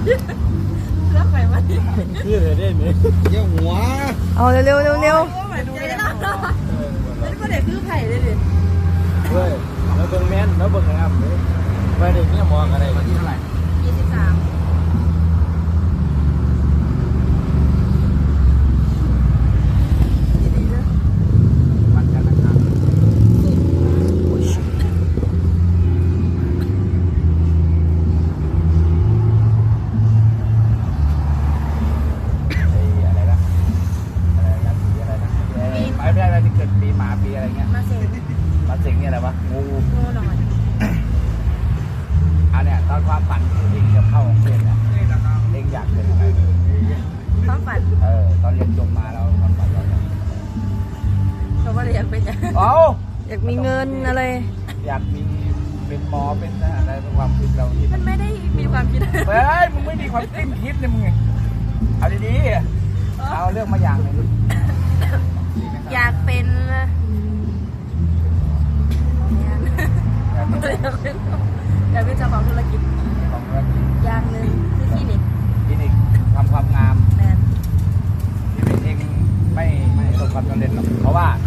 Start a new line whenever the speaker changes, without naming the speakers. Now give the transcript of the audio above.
เลือกใครมาดิ
คือเลยได้ไหมเยี่ยหัว
เอาเร็วเร็วเร็วเร็ว
ดูได้แล้วแล้วก็เด็กคือไผ่เลยดิ
เว้ยแล้วเบิ่งแม่นแล้วเบิ่งงามเลยไปเด็กเนี่ยมองอะไรวันที่เท่าไหร่
23
วันจันทร์นะครับอะไรนะไม่ได้อะไรที่เกิดปีหมาปีอะไรเงี้ย
มาเซ็ง
มาสิงเนี่ยอะไรวะงู
โง่หน่อย
อันเนี้ยตอนความฝันเองจะเข้าโรงเรียนเนี่ยเองอยากเป็นอะไร
ความฝัน
ตอนเรียนจบมาแล้วความฝันเราเนี่ย
เขาว่าอยากเป็นอย่าง
เอ้า
อยากมีเงินอะไร
อยากมีเป็นหมอเป็นอะไรเป็นความคิดเราคิด
มันไม่ได้มีความคิด
เฮ้ยมึงไม่มีความคิดเนี่ยมึงเอาดีๆเอาเรื่องมาอย่างหนึ่ง
อยากเป็นอยากเป็นเจ้าของธุรกิจ
ของธุรกิจ
อย่างหนึ่งคือคลินิก
คลินิกทำความงาม
แมน
ที่เป็นเองไม่ประสบความสำเร็จหรอกเพราะว่า